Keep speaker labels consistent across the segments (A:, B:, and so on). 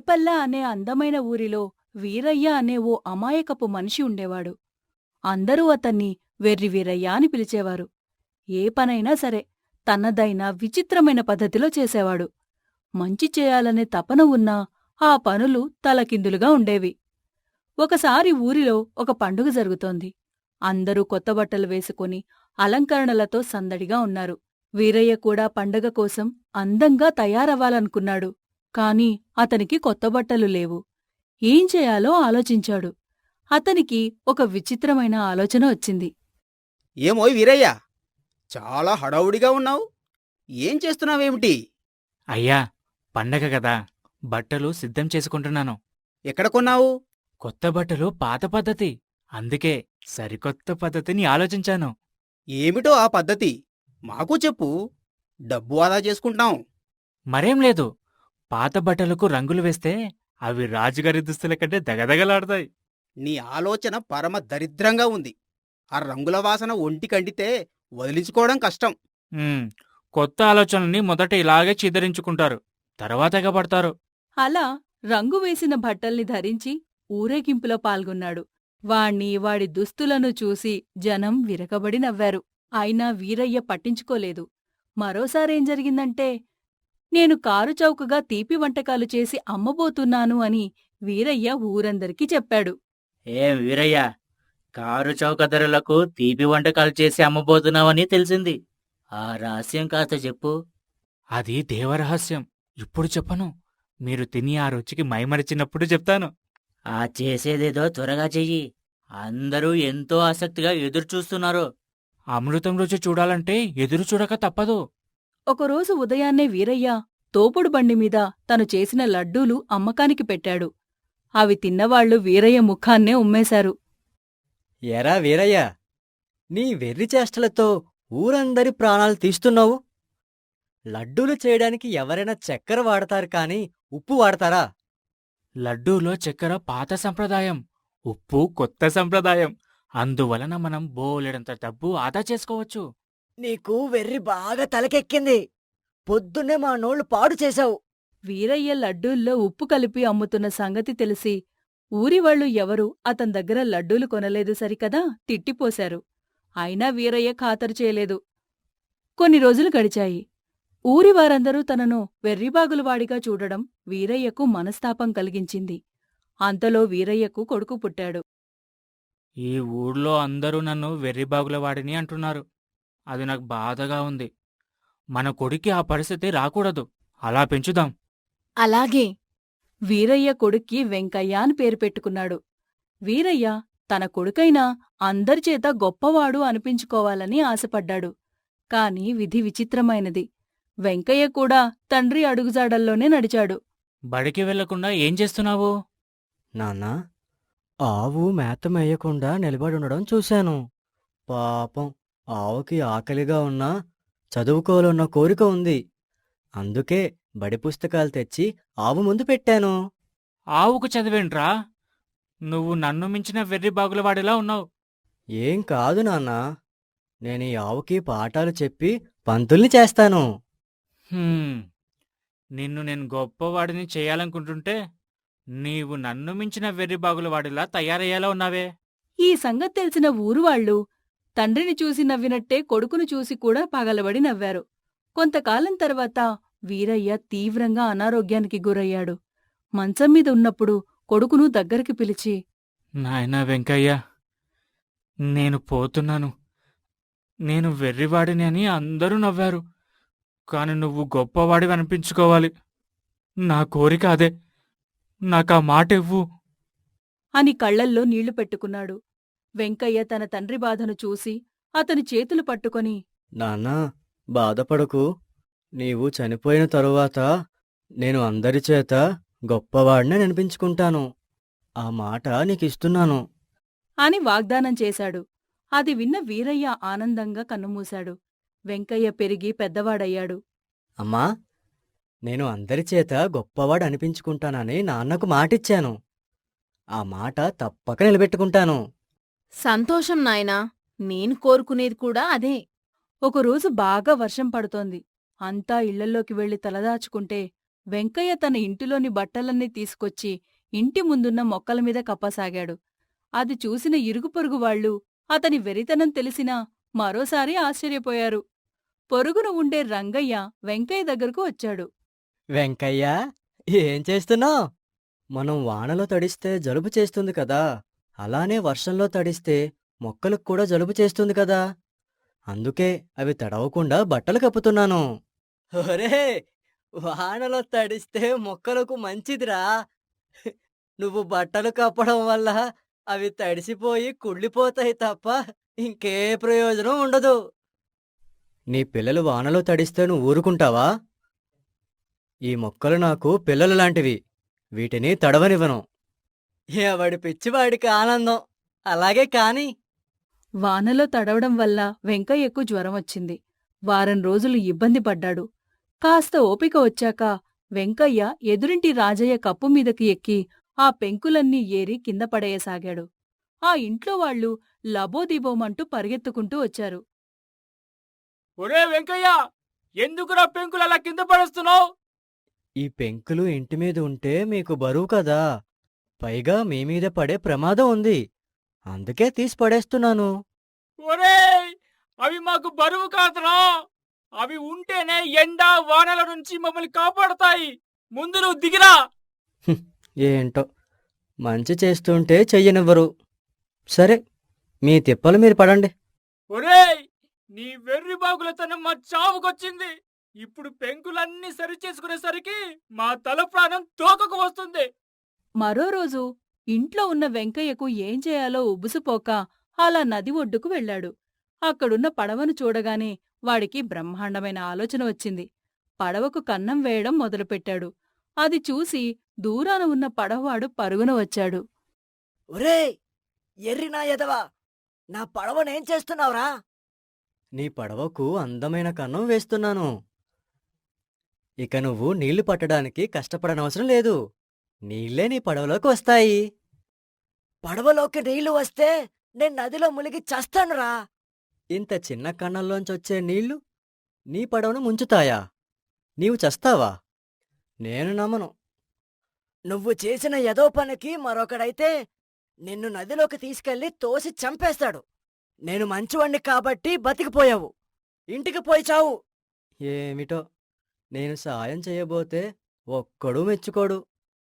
A: రేపల్ల అనే అందమైన ఊరిలో వీరయ్య అనే ఓ అమాయకపు మనిషి ఉండేవాడు. అందరూ అతన్ని వెర్రి వీరయ్య అని పిలిచేవారు. ఏ పనైనా సరే తనదైన విచిత్రమైన పద్ధతిలో చేసేవాడు. మంచి చేయాలనే తపన ఉన్నా ఆ పనులు తలకిందులుగా ఉండేవి. ఒకసారి ఊరిలో ఒక పండుగ జరుగుతోంది. అందరూ కొత్త బట్టలు వేసుకుని అలంకరణలతో సందడిగా ఉన్నారు. వీరయ్య కూడా పండగ కోసం అందంగా తయారవ్వాలనుకున్నాడు. కాని అతనికి కొత్త బట్టలు లేవు. ఏం చేయాలో ఆలోచించాడు. అతనికి ఒక విచిత్రమైన ఆలోచన వచ్చింది.
B: ఏమోయ్ వీరయ్య, చాలా హడావుడిగా ఉన్నావు. ఏం చేస్తున్నావేమిటి?
C: అయ్యా, పండగ గదా, బట్టలు సిద్ధం చేసుకుంటున్నాను.
B: ఎక్కడ కొన్నావు?
C: కొత్త బట్టలు పాత పద్ధతి, అందుకే సరికొత్త పద్ధతిని ఆలోచించాను.
B: ఏమిటో ఆ పద్ధతి? మాకు చెప్పు. డబ్బు ఆదా చేసుకుంటాం.
C: మరేం లేదు, పాత బట్టలకు రంగులు వేస్తే అవి రాజుగారి దుస్తుల కంటే దగదగలాడతాయి.
B: నీ ఆలోచన పరమ దరిద్రంగా ఉంది. ఆ రంగుల వాసన ఒంటికండితే వదిలించుకోవడం కష్టం.
C: ఉమ్, కొత్త ఆలోచనల్ని మొదట ఇలాగే చిదరించుకుంటారు, తర్వాత ఎగబడతారు.
A: అలా రంగు వేసిన బట్టల్ని ధరించి ఊరేగింపులో పాల్గొన్నాడు. వాడి దుస్తులను చూసి జనం విరగబడి నవ్వారు. అయినా వీరయ్య పట్టించుకోలేదు. మరోసారేం జరిగిందంటే, నేను కారు చౌకగా తీపి వంటకాలు చేసి అమ్మబోతున్నాను అని వీరయ్య ఊరందరికీ చెప్పాడు.
D: ఏం వీరయ్య, కారు చౌక ధరలకు తీపి వంటకాలు చేసి అమ్మబోతున్నావని తెలిసింది. ఆ రహస్యం కాస్త చెప్పు.
C: అది దేవరహస్యం, ఇప్పుడు చెప్పను. మీరు తిని ఆ రుచికి మైమరిచినప్పుడు చెప్తాను.
D: ఆ చేసేదేదో త్వరగా చెయ్యి. అందరూ ఎంతో ఆసక్తిగా ఎదురుచూస్తున్నారు.
C: అమృతం రుచి చూడాలంటే ఎదురు చూడక తప్పదు.
A: ఒకరోజు ఉదయాన్నే వీరయ్య తోపుడు బండిమీద తను చేసిన లడ్డూలు అమ్మకానికి పెట్టాడు. అవి తిన్నవాళ్లు వీరయ్య ముఖాన్నే ఉమ్మేశారు.
E: ఎరా వీరయ్య, నీ వెర్రి చేష్టలతో ఊరందరి ప్రాణాలు తీస్తున్నావు. లడ్డూలు చేయడానికి ఎవరైనా చక్కెర వాడతారు కాని ఉప్పు వాడతారా?
C: లడ్డూలో చక్కెర పాత సంప్రదాయం, ఉప్పు కొత్త సంప్రదాయం. అందువలన మనం బోలెడంత డబ్బు ఆదా చేసుకోవచ్చు.
E: నీకు వెర్రి బాగా తలకెక్కింది. పొద్దున్నే మా నోళ్లు పాడు చేశావు.
A: వీరయ్య లడ్డూల్లో ఉప్పు కలిపి అమ్ముతున్న సంగతి తెలిసి ఊరివాళ్లు ఎవరూ అతని దగ్గర లడ్డూలు కొనలేదు సరికదా తిట్టిపోశారు. అయినా వీరయ్య ఖాతరు చేయలేదు. కొన్ని రోజులు గడిచాయి. ఊరివారందరూ తనను వెర్రిబాగులవాడిగా చూడడం వీరయ్యకు మనస్తాపం కలిగించింది. అంతలో వీరయ్యకు కొడుకు పుట్టాడు.
C: ఈ ఊళ్ళో అందరూ నన్ను వెర్రిబాగులవాడిని అంటున్నారు. అది నాకు బాధగా ఉంది. మన కొడుక్కి ఆ పరిస్థితి రాకూడదు. అలా పెంచుదాం.
A: అలాగే వీరయ్య కొడుక్కి వెంకయ్య అని పేరు పెట్టుకున్నాడు. వీరయ్య తన కొడుకైనా అందరిచేత గొప్పవాడు అనిపించుకోవాలని ఆశపడ్డాడు. కాని విధి విచిత్రమైనది. వెంకయ్య కూడా తండ్రి అడుగుజాడల్లోనే నడిచాడు.
C: బడికి వెళ్లకుండా ఏం చేస్తున్నావు?
E: నాన్నా, ఆవు మేత మేయకుండా నిలబడుండడం చూశాను. పాపం, ఆవుకి ఆకలిగా ఉన్నా చదువుకోవాలన్న కోరిక ఉంది. అందుకే బడి పుస్తకాలు తెచ్చి ఆవు ముందు పెట్టాను.
C: ఆవుకు చదివేంట్రా? నువ్వు నన్ను మించిన వెర్రిబాగులవాడిలా ఉన్నావు.
E: ఏం కాదు నాన్నా, నేను ఈ ఆవుకి పాఠాలు చెప్పి పంతుల్ని చేస్తాను.
C: హ్మ్, నిన్ను నేను గొప్పవాడిని చేయాలనుకుంటుంటే నీవు నన్ను మించిన వెర్రిబాగులవాడిలా తయారయ్యేలా ఉన్నావే.
A: ఈ సంగతి తెలిసిన ఊరువాళ్లు తండ్రిని చూసి నవ్వినట్టే కొడుకును చూసి కూడా పగలబడి నవ్వారు. కొంతకాలం తర్వాత వీరయ్య తీవ్రంగా అనారోగ్యానికి గురయ్యాడు. మంచంమీద ఉన్నప్పుడు కొడుకును దగ్గరికి పిలిచి,
C: నాయనా వెంకయ్య, నేను పోతున్నాను. నేను వెర్రివాడిని అని అందరూ నవ్వారు. కాని నువ్వు గొప్పవాడివి అనిపించుకోవాలి. నా కోరిక అదే. నాకా మాట ఇవ్వు
A: అని కళ్లల్లో నీళ్లు పెట్టుకున్నాడు. వెంకయ్య తన తండ్రి బాధను చూసి అతని చేతులు పట్టుకొని,
E: నాన్నా, బాధపడకు. నీవు చనిపోయిన తరువాత నేను అందరిచేత గొప్పవాడిని అనిపించుకుంటాను. ఆ మాట నీకిస్తున్నాను.
A: అని వాగ్దానం చేశాడు. అది విన్న వీరయ్య ఆనందంగా కన్నుమూశాడు. వెంకయ్య పెరిగి పెద్దవాడయ్యాడు.
E: అమ్మా, నేను అందరిచేత గొప్పవాడు అనిపించుకుంటానని నాన్నకు మాటిచ్చాను. ఆ మాట తప్పక నిలబెట్టుకుంటాను.
A: సంతోషం నాయనా, నేను కోరుకునేది కూడా అదే. ఒకరోజు బాగా వర్షం పడుతోంది. అంతా ఇళ్లల్లోకి వెళ్లి తలదాచుకుంటే వెంకయ్య తన ఇంటిలోని బట్టలన్నీ తీసుకొచ్చి ఇంటి ముందున్న మొక్కల మీద కప్పసాగాడు. అది చూసిన ఇరుగుపొరుగు వాళ్ళు అతని వెరితనం తెలిసినా మరోసారి ఆశ్చర్యపోయారు. పొరుగున ఉండే రంగయ్య వెంకయ్య దగ్గరకు వచ్చాడు.
E: వెంకయ్య, ఏం చేస్తున్నావ్? మనం వానలో తడిస్తే జలుబు చేస్తుంది కదా, అలానే వర్షంలో తడిస్తే మొక్కలకు కూడా జలుబు చేస్తుంది కదా. అందుకే అవి తడవకుండా బట్టలు కప్పుతున్నాను. ఒరే, వానలో తడిస్తే మొక్కలకు మంచిదిరా. నువ్వు బట్టలు కప్పడం వల్ల అవి తడిసిపోయి కుళ్ళిపోతాయి తప్ప ఇంకే ప్రయోజనం ఉండదు. నీ పిల్లలు వానలో తడిస్తే నువ్వు ఊరుకుంటావా? ఈ మొక్కలు నాకు పిల్లలు లాంటివి, వీటిని తడవనివ్వను. ఎవడి పిచ్చివాడికి ఆనందం. అలాగే కాని.
A: వానలో తడవడం వల్ల వెంకయ్యకు జ్వరం వచ్చింది. వారం రోజులు ఇబ్బంది పడ్డాడు. కాస్త ఓపిక వచ్చాక వెంకయ్య ఎదురింటి రాజయ్య కప్పు మీదకి ఎక్కి ఆ పెంకులన్నీ ఏరి కింద పడేయసాగాడు. ఆ ఇంట్లో వాళ్ళు లబోదిబోమంటూ పరిగెత్తుకుంటూ వచ్చారు.
C: ఒరే వెంకయ్య, ఎందుకురా పెంకులు అలా కింద పడేస్తున్నావు?
E: ఈ పెంకులు ఇంటి మీద ఉంటే మీకు బరువు కదా, పైగా మీమీద పడే ప్రమాదం ఉంది. అందుకే తీసి పడేస్తున్నాను.
C: ఒరేయ్, అవి మాకు బరువు కాదురా. అవి ఉంటేనే ఎండ వానల నుంచి మమ్మల్ని కాపాడతాయి. ముందు నువ్వు దిగిరా.
E: ఏంటో, మంచి చేస్తుంటే చెయ్యనివ్వరు. సరే, మీ తిప్పలు మీరు పడండి.
C: ఒరేయ్, నీ వెర్రి బాగులతనం మా చావుకొచ్చింది. ఇప్పుడు పెంకులన్నీ సరిచేసుకునేసరికి మా తల ప్రాణం తోకకు వస్తుంది.
A: మరో రోజు ఇంట్లో ఉన్న వెంకయ్యకు ఏం చేయాలో ఉబుసుపోక అలా నది ఒడ్డుకు వెళ్ళాడు. అక్కడున్న పడవను చూడగానే వాడికి బ్రహ్మాండమైన ఆలోచన వచ్చింది. పడవకు కన్నం వేయడం మొదలుపెట్టాడు. అది చూసి దూరాన ఉన్న పడవవాడు పరుగున వచ్చాడు.
E: ఒరే ఎర్రినా ఎదవా, నా పడవనేం చేస్తున్నావురా? నీ పడవకు అందమైన కన్నం వేస్తున్నాను. ఇక నువ్వు నీళ్లు పట్టడానికి కష్టపడనవసరం లేదు. నీళ్లే నీ పడవలోకి వస్తాయి. పడవలోకి నీళ్లు వస్తే నేను నదిలో మునిగి చస్తానురా. ఇంత చిన్న కన్నంలోంచొచ్చే నీళ్లు నీ పడవను ముంచుతాయా? నీవు చస్తావా? నేను నమ్మను. నువ్వు చేసిన ఎదో పనికి మరొకడైతే నిన్ను నదిలోకి తీసుకెళ్లి తోసి చంపేస్తాడు. నేను మంచివాణ్ణి కాబట్టి బతికిపోయావు. ఇంటికి పోయి చావు. ఏమిటో, నేను సాయం చేయబోతే ఒక్కడూ మెచ్చుకోడు,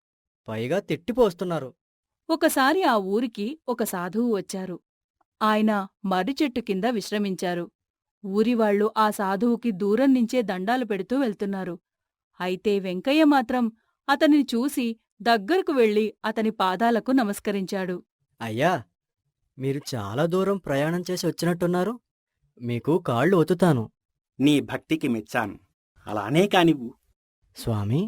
E: పైగా తిట్టిపోస్తున్నారు.
A: ఒకసారి ఆ ఊరికి ఒక సాధువు వచ్చారు. ఆయన మర్రి చెట్టు కింద విశ్రమించారు. ఊరివాళ్లు ఆ సాధువుకి దూరం నుంచే దండాలు పెడుతూ వెళ్తున్నారు. అయితే వెంకయ్య మాత్రం అతనిని చూసి దగ్గరకు వెళ్లి అతని పాదాలకు నమస్కరించాడు.
E: అయ్యా, మీరు చాలా దూరం ప్రయాణం చేసి వచ్చినట్టున్నారు. మీకు కాళ్ళు ఒత్తుతాను.
B: నీ భక్తికి మెచ్చాను. అలానే కానివ్వు.
E: స్వామీ,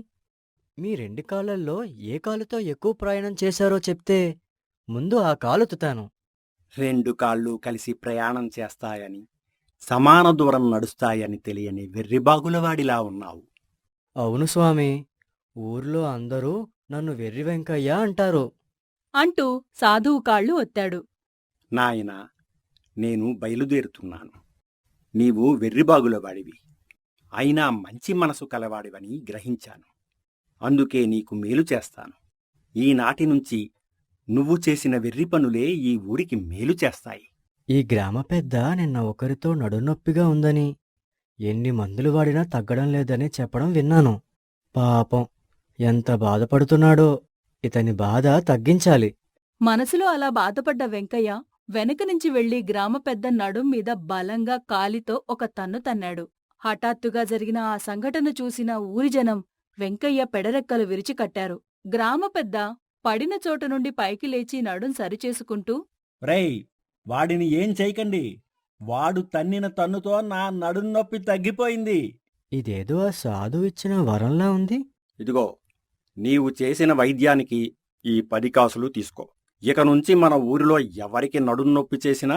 E: మీ రెండు కాళ్ళల్లో ఏ కాలుతో ఎక్కువ ప్రయాణం చేశారో చెప్తే ముందు ఆ కాలొత్తుతాను.
B: రెండు కాళ్ళు కలిసి ప్రయాణం చేస్తాయని, సమాన దూరం నడుస్తాయని తెలియని వెర్రిబాగులవాడిలా ఉన్నావు.
E: అవును స్వామి, ఊర్లో అందరూ నన్ను వెర్రి వెంకయ్య అంటారు.
A: అంటూ సాధువు కాళ్ళు ఒత్తాడు.
B: నాయనా, నేను బయలుదేరుతున్నాను. నీవు వెర్రిబాగులవాడివి, అయినా మంచి మనసు కలవాడివని గ్రహించాను. అందుకే నీకు మేలు చేస్తాను. ఈనాటి నుంచి నువ్వు చేసిన వెర్రి పనులే ఈ ఊరికి మేలు చేస్తాయి.
E: ఈ గ్రామ పెద్ద నిన్న ఒకరితో నడునొప్పిగా ఉందని, ఎన్ని మందులు వాడినా తగ్గడం లేదని చెప్పడం విన్నాను. పాపం, ఎంత బాధపడుతున్నాడో. ఇతని బాధ తగ్గించాలి.
A: మనసులో అలా బాధపడ్డ వెంకయ్య వెనక నుంచి వెళ్లి గ్రామ పెద్ద నడుం మీద బలంగా కాలితో ఒక తన్ను తన్నాడు. హఠాత్తుగా జరిగిన ఆ సంఘటన చూసిన ఊరి జనం వెంకయ్య పెడరెక్కలు విరిచి కట్టారు. గ్రామ పెద్ద పడిన చోట నుండి పైకి లేచి నడుం సరిచేసుకుంటూ,
F: రేయ్, వాడిని ఏం చేయకండి. వాడు తన్నిన తన్నుతో నా నడున్నొప్పి తగ్గిపోయింది.
E: ఇదేదో ఆ సాధువు ఇచ్చిన వరంలా ఉంది.
B: ఇదిగో, నీవు చేసిన వైద్యానికి ఈ 10 కాసులు తీసుకో. ఇక నుంచి మన ఊరిలో ఎవరికి నడున్నొప్పి చేసినా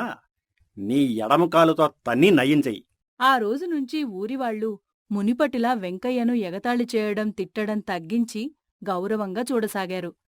B: నీ ఎడమ కాలుతో తన్ని నయం చెయ్యి.
A: ఆ రోజు నుంచి ఊరివాళ్లు మునిపటిలా వెంకయ్యను ఎగతాళి చేయడం తిట్టడం తగ్గించి గౌరవంగా చూడసాగారు.